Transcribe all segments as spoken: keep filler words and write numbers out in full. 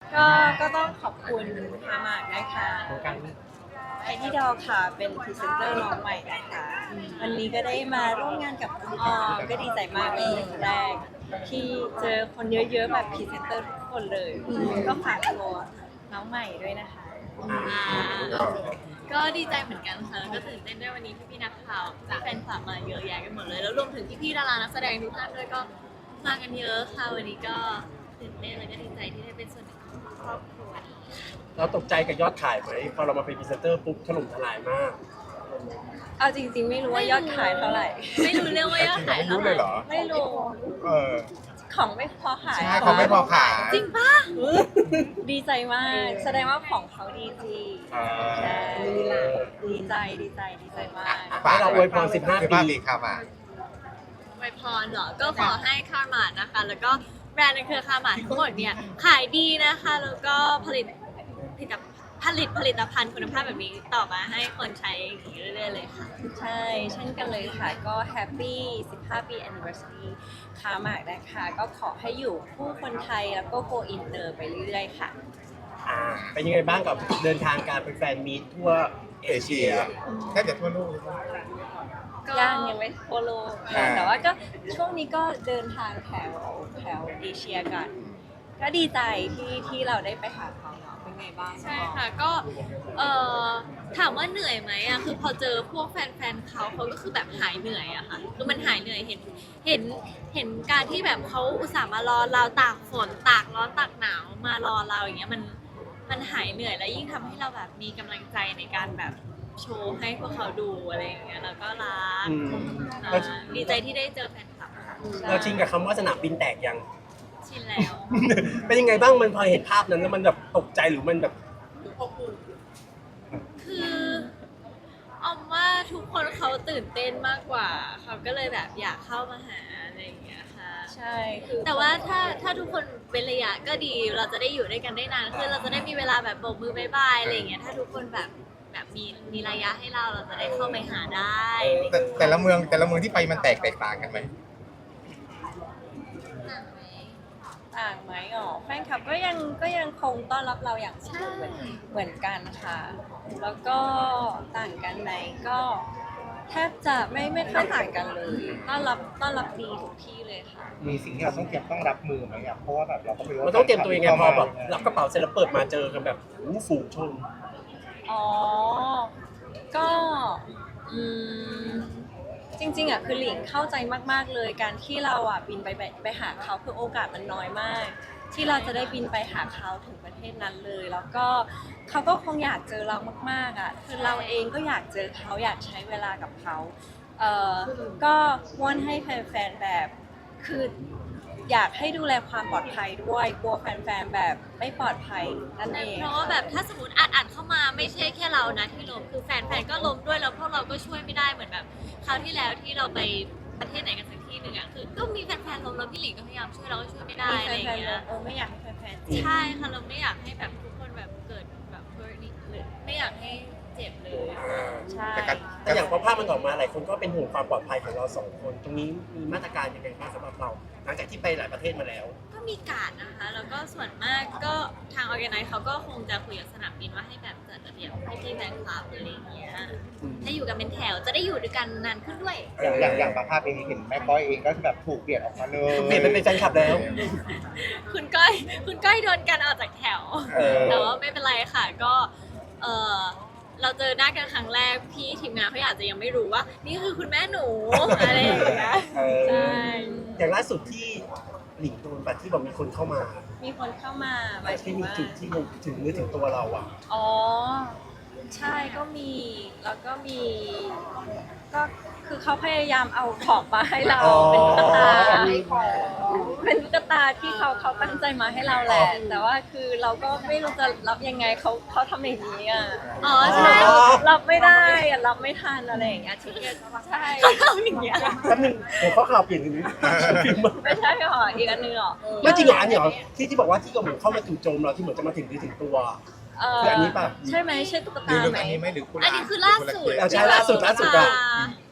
ก็ก็ต้องขอบคุณฮามากนะคะไอที่ดอค่ะเป็นพรีเซนเตอร์น้องใหม่นะคะวันนี้ก็ได้มาร่วมงานกับคุณออมก็ดีใจมากเป็นครั้งแรกที่เจอคนเยอะๆแบบพรีเซนเตอร์ทุกคนเลยก็ฝากตัวน้องใหม่ด้วยนะคะก็ดีใจเหมือนกันค่ะแล้วก็ตื่นเต้นด้วยวันนี้พี่ๆนักข่าวจากแฟนคลับมาเยอะแยะกันหมดเลยแล้วรวมถึงพี่ๆดารานักแสดงทุกท่านด้วยก็มากันเยอะค่ะวันนี้ก็ตื่นเต้นแล้วก็ดีใจที่ได้เป็นส่วนหนึ่งของครอบครัวนี้เราตกใจกับยอดขายไหมพอเรามาเป็นพรีเซนเตอร์ปุ๊บถล่มทลายมากเอาจริงๆไม่รู้ว่ายอดขายเท่าไหร่ไม่รู้เรื่องว่ายอดขายไม่เท่ารู้ไหเลร่ยเหรอไม่รู้เออของไม่พอขายใช่เขาไม่พอขายจริงปะดีใจมาก แสดงว่าของเขาดีจริงอ่าใช่ดีใจดีใจดีใจมากให้เราอวยพรสิบห้าปีสิบห้าปีครับอ่ะไวยพรเหรอก็ขอให้คาร์มาดนะคะ แล้วก็แบรนด์ในเครือคาร์มาดทั้งหมดเนี่ยขายดีนะคะ แล้วก็ผลิตผลิตผลิตผลิตภัณฑ์คุณภาพแบบนี้ต่อมาให้คนใช้อย่างนี้เรื่อยๆเลยค่ะใช่ เช่นกันเลยค่ะ ก็แฮปปี้สิบห้าปี anniversary ค้ามากนะคะ ก็ขอให้อยู่คู่คนไทยแล้วก็ go inter ไปเรื่อยๆค่ะอ่าเป็นยังไงบ้างกับเดินทางการเป็นแฟนมีตทั่วเอเอเชีเชียยแทบจะทั่วโลกเลยครับก็ยังยังไม่โฟโลอ่าแต่ว่าก็ช่วงนี้ก็เดินทางแถวแถวเอเชียกัน ก็ดีใจที่ที่เราได้ไปหาเขาเนาะเป็นไงบ้างใช่ค่ะก็เอ่อถามว่าเหนื่อยไหมอ่ะคือพอเจอพวกแฟนๆเขาเขาก็คือแบบหายเหนื่อยอะค่ะคือมันหายเหนื่อยเห็นเห็นเห็นการที่แบบเขาอุตส่าห์มารอเราตากฝนตากร้อนตากหนาวมารอเราอย่างเงี้ยมันมันหายเหนื่อยแล้วยิ่งทำให้เราแบบมีกำลังใจในการแบบโชว์ให้พวกเขาดูอะไรอย่างเงี้ยแล้วก็รักอืมอ่าดีใจที่ได้เจอแฟนคลับค่ะเราชินกับคำว่าสนามบินแตกยังชินแล้วเป็นยังไงบ้างมันพอเห็นภาพนั้นแล้วมันแบบตกใจหรือมันแบบคือออมว่าทุกคนเขาตื่นเต้นมากกว่า เขาก็เลยแบบอยากเข้ามาหาอะไรอย่างเงี้ยค่ะใช่คือแต่ว่าถ้าถ้าทุกคนเป็นระยะก็ดี เราจะได้อยู่ด้วยกันได้นานขึ้นเราจะได้มีเวลาแบบโบกมือบายบายอะไรอย่างเงี้ย ถ้าทุกคนแบบแบบมีมีระยะให้เราเราจะได้เข้าไปหาได้แต่แต่ละเมืองแต่ละเมืองที่ไปมันแตกแตกต่างกันไหมต่างไหมต่างไหมอ๋อแฟนคลับก็ยังก็ยังคงต้อนรับเราอย่างอบอุ่นเหมือนเหมือนกันค่ะ แล้วก็ต่างกันไหมก็แทบจะไม่ไม่ค่อยต่างกันเลยต้อนรับต้อนรับดีทุกที่เลยค่ะมีสิ่งที่เราต้องเตรียมต้องรับมือไหมอ่ะเพราะว่าแบบเราก็ไม่รู้มันต้องเตรียมตัวยังไงพอแบบรับกระเป๋าเสร็จแล้วเปิดมาเจอกันแบบหูฝูงชนอ๋อ ก็อืมจริงๆอ่ะคือหลิงเข้าใจมากๆเลยการที่เราอ่ะบินไปไปไปหาเขาคือโอกาสมันน้อยมาก ที่เราจะได้บินไปหาเขาถึงประเทศนั้นเลย แล้วก็เขาก็คงอยากเจอเรามากๆอ่ะคือเราเองก็อยากเจอเขาอยากใช้เวลากับเขาเอ่อก็วอนให้แฟนๆแบบคืออยากให้ดูแลความปลอดภัยด้วยกลัวแฟนๆแบบไม่ปลอดภัยนั่นเองเพราะว่าแบบถ้าสมมติอัดอัดเข้ามาไม่ใช่แค่เรานะที่ล้มคือแฟนๆก็ล้มด้วยแล้วพวกเราก็ช่วยไม่ได้เหมือนแบบคราวที่แล้วที่เราไปประเทศไหนกันสักที่หนึ่งอะคือก็มีแฟนๆล้มแล้วพี่หลิงก็พยายามช่วยเราก็ช่วยไม่ได้มีอะไรอแฟย่างนๆเงี้ยเออไม่อยากให้แฟนๆเจ็บใช่ค่ะเราไม่อยากให้แบบทุกคนแบบเกิดแบบเบอร์นี้หรือไม่อยากให้เจ็บเลยใช่แต่การแต่อย่างพอภาพมันออกมาหลายคนก็เป็นห่วงความปลอดภัยของเราสองคน ตรงนี้มีมาตรการยังไงบ้างสำหรับเรา หลังจากที่ไปหลายประเทศมาแล้วก็มีการดนะคะ แล้วก็ส่วนมากก็ทางออแกไนซ์เขาก็คงจะคุยกับสนามบินว่าให้แบบจัดระเบียบให้พี่แฟนคลับอะไรอย่างเงี้ยให้อยู่กันเป็นแถวจะได้อยู่ด้วยกันนานขึ้นด้วยอย่างอย่างอย่างบางภาพเองเห็นแม่ก้อยเองก็แบบถูกเปลี่ยนออกมาเลยเปลี่ยนไปเป็นแฟนคลับแล้วคุณก้อยคุณก้อยโดนกันออกจากแถวเออแต่ว่าไม่เป็นไรค่ะก็เออเราเจอหน้ากันครั้งแรกพี่ทีมงานเขาอาจจะยังไม่รู้ว่า นี่คือคุณแม่หนูอะไรอย่างเงี้ยเออใช่อย่างล่าสุดที่หลิงโดนปัดที่บอกมีคนเข้ามามีคนเข้ามาหมายถึที่งมีว่าจุดที่มันถึงนึกถึงตัวเราอ่ะอ๋อ ใช่ก็มี แล้วก็มี ก็คือเขาพยายามเอาของมาให้เราอ๋อเป็นตุ๊กตาเป็นตุ๊กตาที่เขาเขาตั้งใจมาให้เราแหละ แต่ว่าคือเราก็ไม่รู้จะรับยังไงเขาเขาทำอย่างนี้อ่ะอ๋อใช่รับไม่ได้อะรับไม่ทันอะไรอย่างเงี้ยทีเดียวใช่เขาทำอย่างเงี้ยแป๊บนึงผมข้อข่าวเปลี่ยนถึงนี้พิมพ์มาไม่ใช่หรออีกอันหนึงหรอไม่จริงเหรออันนี้เหรอที่ที่บอกว่าที่กระหม่อมเข้ามาจู่โจมเราที่เหมือนจะมาถึงดีถึงตัวเออคืออันนี้ป่ะใช่ไหมใช่ตุ๊กหรือตาหรือไหมอันนี้ไหมหรือคุณอันนี้คือล่าสุดเอาใช่ล่าสุดล่าสุดอะท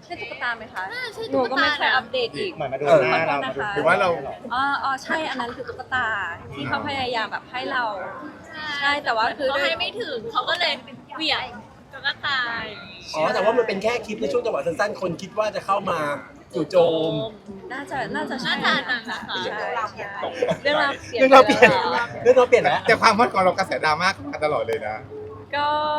ใช่ตุ๊กตาไหมคะน่าใช่หนูตุ๊กก็ตาไม่เคยนะอัปเดตอีกเหมือนมาดูหน้าเรามาดูเออหรือว่าเราอ๋ออ๋อใช่อันนั้นคือตุ๊กตาที่เขาพยายามแบบให้เรา ใช่แต่ว่าคือเขาให้ไม่ถึงเขาก็เลยเหวี่ยงแล้วก็ตายอ๋อแต่ว่ามันเป็นแค่คลิปในช่วงจังหวะสั้นๆคนคิดว่าจะเข้ามาจู่โจมน่าจะน่าจะใช่น่าจะอันนั้นนะคะใช่ใช่เรื่องราวเปลี่ยนเรื่องเราเปลี่ยนไปแล้วเรื่องเราเปลี่ยนแล้วแต่ความฮอตของเรากระแสดราม่ามาตลอดเลยนะก็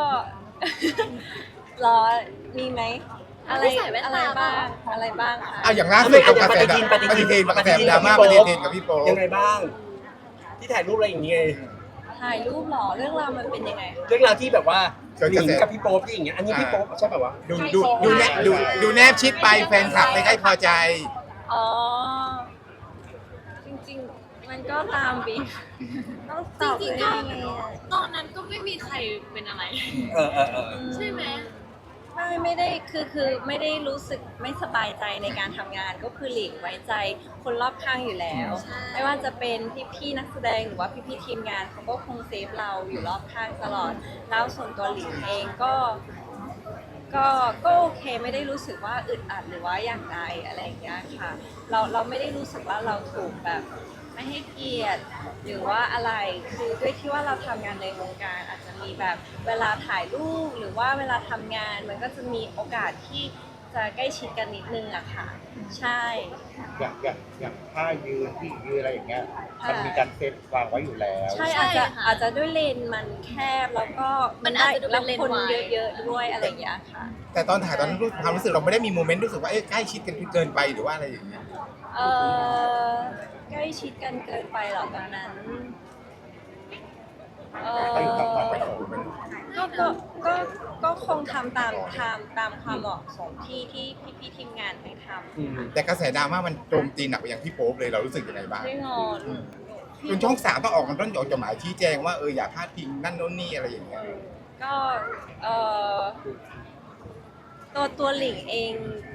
รอมีไหมอะไรไม่ใส่แว่นอะไรตาบ้างเปล่าอะไรบ้างคะเอาอย่างล่าสุดกับกระแสดราม่าปฏิทินกระแสดราม่าปฏิทินกับพี่โป๊ยังไงบ้าง ที่ถ่ายรูปอะไรอย่างเงี้ยถ่ายรูปเหรอเรื่องราวมันเป็นยังไงเรื่องราวที่แบบว่าหลิงกับพี่โป๊ปที่อย่างเงี้ยอันนี้พี่โป๊ปใช่ป่าววะดูดูดูแนบดูดูแนบชิดไปแฟนคลับไม่ค่อยพอใจอ๋อ จริงๆ มันก็ตามบีต้องตอบจริงๆยัก็งไงอะตอนนั้นก็ไม่มีใครเป็นอะไรเออเออเออใช่ไหมไม่ไม่ได้คือคือไม่ได้รู้สึกไม่สบายใจในการทำงานก็คือหลีกไว้ใจคนรอบข้างอยู่แล้วใช่ไม่ว่าจะเป็นพี่ๆนักแสดงหรือว่าพี่ๆทีมงานเขาก็คงเซฟเราอยู่รอบข้างตลอด แล้วส่วนตัวหลิงเองก็ ก็ก็โอเคไม่ได้รู้สึกว่าอึดอัดหรือว่าอย่างไรอะไรอย่างเงี้ยค่ะ เราเราไม่ได้รู้สึกว่าเราถูกแบบไม่ให้เกียรติหรือว่าอะไรคือด้วยที่ว่าเราทำงานในวงการอาจจะมีแบบเวลาถ่ายรูปหรือว่าเวลาทำงานมันก็จะมีโอกาสที่จะใกล้ชิดกันนิดนึงอะค่ะ ใช่อย่างอย่างอย่างท่ายืนที่ยืนอะไรอย่างเงี้ยมันมีการเซตวางไว้อยู่แล้วใช่ใช่อาจจะค่ะอาจจะด้วยเลนส์มันแคบแล้วก็มันอาจจะดูเป็นเลนส์แล้วคนวายเยอะๆด้วยอะไรอย่างเงี้ยค่ะแต่ตอนถ่ายตอนนั้นรู้ความรู้สึกเราไม่ได้มีโมเมนต์รู้สึกว่าเอ๊ะใกล้ชิดกันเกินไปหรือว่าอะไรอย่างเงี้ยเออใกล้ชิดกันเกินไปเหรอตอนนั้นเออก็อยู่ตามความประสงค์ก็ก็ก็ก็คงทำตามตามตามความเหมาะสมที่ที่พี่พี่ๆทีมงานให้ทอืมแต่กระแสดราม่ามันโจมตีหนักไปยังพี่โป๊ปเลยเรารู้สึกยังไงบ้างำไม่งอนจนช่องสามต้องออกมันต้องออกจดหมายชี้แจงว่าเอออย่าพลาดพิงนั่นโน่นนี่อะไรอย่างเงี้ยก็เออตัวตัวหลิงเอง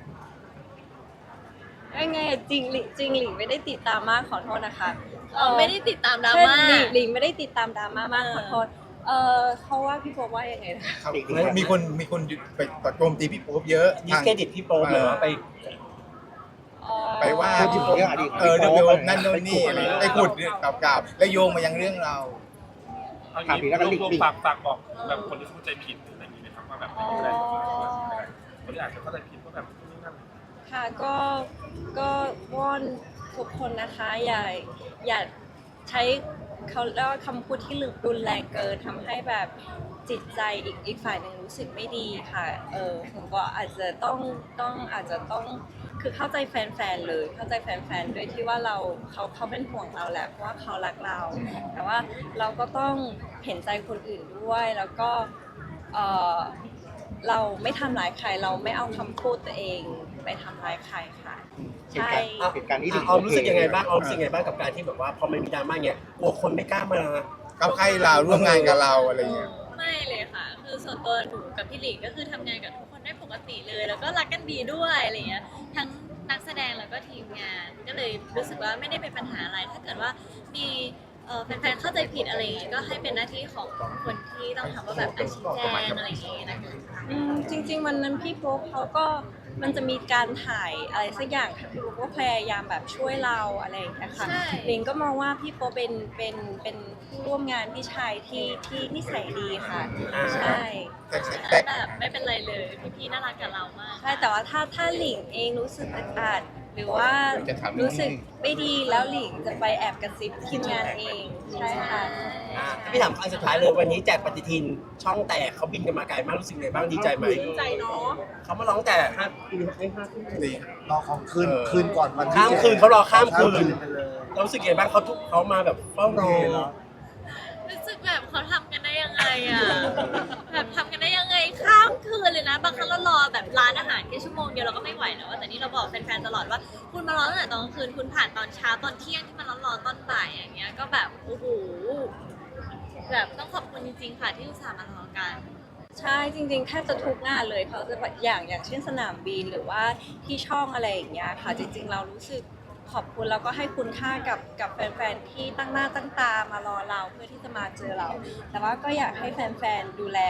ยังไงอะจริงหลิงจริงหลิงไม่ได้ติดตามมากขอโทษนะคะเออไม่ได้ติดตามดราใช่ม่าหลิงหลิงไม่ได้ติดตามดราม่ามากขอโทษเออเขาว่าพี่โป๊ปว่ายังไงนะคะครับมีคนมีคนไปโจมตีพี่โป๊ปเยอะดิสเครดิตพี่โป๊ปหรือว่าไปอ๋อไปว่าพูดถึพี่งโป๊ปเรื่องอดีตเออเรื่องพี่โป๊ปนั่นโน่นนี่อะไรไปขุดเรื่องเก่าๆแล้วโยงมายังเรื่องเราเอางี้รวบรวมฝากฝากบอกแบบคนที่เข้าใจผิดหรืออะไรอย่างนี้ไหมครับว่าแบบไม่เป็นไรคนที่อาจจะเข้าใจผิดว่าแบบนี่นั่นค่ะก็ก็วอนทุกคนนะคะอย่าอย่าใช้เขาเรียกว่าคำพูดที่รุนแรงเกินทำให้แบบจิตใจอีกอีกฝ่ายหนึ่งรู้สึกไม่ดีค่ะเออผมก็อาจจะต้องต้องอาจจะต้องคือเข้าใจแฟนๆเลย เข้าใจแฟนๆด้วยที่ว่าเราเขาเขาเป็นห่วงเราแหละเพราะว่าเขารักเรา แต่ว่าเราก็ต้องเห็นใจคนอื่นด้วยแล้วก็เออเราไม่ทำร้ายใครเราไม่เอาคำพูดตัวเองไปทำร้ายใครค่ะเหตุใช่การณ์เหตุการณ์ที่อ่ะออมรู้สึกยังไงบ้างออมรู้สึกยังไงบ้างกับการที่แบบว่าพอมันมีดราม่าเนี่ยกลัวคนไม่กล้ามากับใครเราร่วมงานกับเราอะไรเงี้ยไม่เลยค่ะ คือส่วนตัวหนูกับพี่หลิงก็คือทำงานกับทุกคนได้ปกติเลย แล้วก็รักกันดีด้วยอะไรเงี้ย ทั้งนักแสดงแล้วก็ทีมงาน ก็เลยรู้สึกว่าไม่ได้เป็นปัญหาอะไร ถ้าเกิดว่ามีเอ่อแฟนๆเข้าใจผิดอะไรอย่างงี้ก็ให้เป็นหน้าที่ของคนที่ต้องทำว่าแบบอาชี้แจงอะไรอย่างงี้นะคะอืมจริงๆวันนั้นพี่โป๊ปเขาก็มันจะมีการถ่ายอะไรสักอย่างค่ะพี่โป๊ปก็พยายามแบบช่วยเราอะไรอย่างเงี้ยค่ะใช่ลิงก็มองว่าพี่โป๊ปเป็นเป็นเป็นผู้ร่วมงานพี่ชายที่ที่นิสัยดีค่ะอ่าใช่แต่แต่แบบไม่เป็นไรเลยพี่ๆน่ารักกับเรามากใช่แต่ว่าถ้าถ้าหลิงเองรู้สึกอึดอัดหรือว่าจะทำรู้สึกไม่ดีแล้วหลิงจะไปแอบกระซิบทีมงานเองใช่ค่ะอ่ะพี่ถามอันสุดท้ายเลยวันนี้แจกปฏิทินช่องแตกเขาบินกันมาไกลมากรู้สึกไงบ้างดีใจไหมดีใจเนาะเขามาร้องแต่ห้าปีให้ห้าทุ่มดีรอของคืนคืนก่อนวันที่ข้ามคืนเขารอข้ามคืนไปเลยเรารู้สึกยังไงบ้างเขาทุกเขามาแบบเฝ้ารอรู้สึกแบบเขาทำกันได้ยังไงอ่ะ แบบทำกันได้ยังไงข้ามคืนเลยนะ บางครั้งเรารอแบบร้านอาหารแค่ชั่วโมงเดียวเราก็ไม่ไหวแล้วอะแต่นี่เราบอกแฟนๆตลอดว่า คุณมารอตั้งแต่ตอนกลางคืนคุณผ่านตอนเช้าตอนเที่ยงที่มันร้อนๆตอนบ่ายอย่างเงี้ยก็แบบโอ้โหแบบต้องขอบคุณจริงๆค่ะที่อุตส่าห์มารอกันใช่จริงๆแทบจะทุกงานเลยเขาจะแบบอย่างอย่างเช่นสนามบินหรือว่าที่ช่องอะไรอย่างเงี้ยค่ะ จริง ๆ เรารู้สึกขอบคุณแล้วก็ให้คุณค่ากับกับแฟนๆที่ตั้งหน้าตั้งตามารอเราเพื่อที่จะมาเจอเรา แต่ว่าก็อยากให้แฟนๆดูแล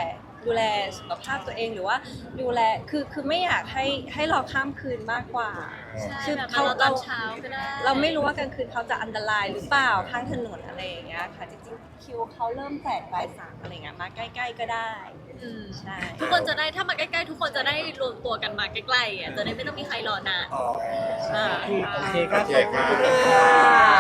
ดูแลสุขภาพตัวเองหรือว่าดูแลคือคือไม่อยากให้ให้รอข้ามคืนมากกว่าใช่คือแบบเขาเราตอนเช้าก็ได้เราไม่รู้ว่ากลางคืนเขาจะอันตรายหรือเปล่าข้างถนนอะไรอย่างเงี้ยค่ะจริงๆคิวเขาเริ่มแจกบ่ายสามอะไรเงี้ยมาใกล้ๆก็ได้อืมใช่ทุกคนจะได้ถ้ามาใกล้ๆ ทุกคนจะได้รวมตัวกันมาใกล้ๆอ่ะจะได้ไม่ต้องมีใครรอนานอ๋ออ่าโอเคครับโอเคครับขอบคุณครับ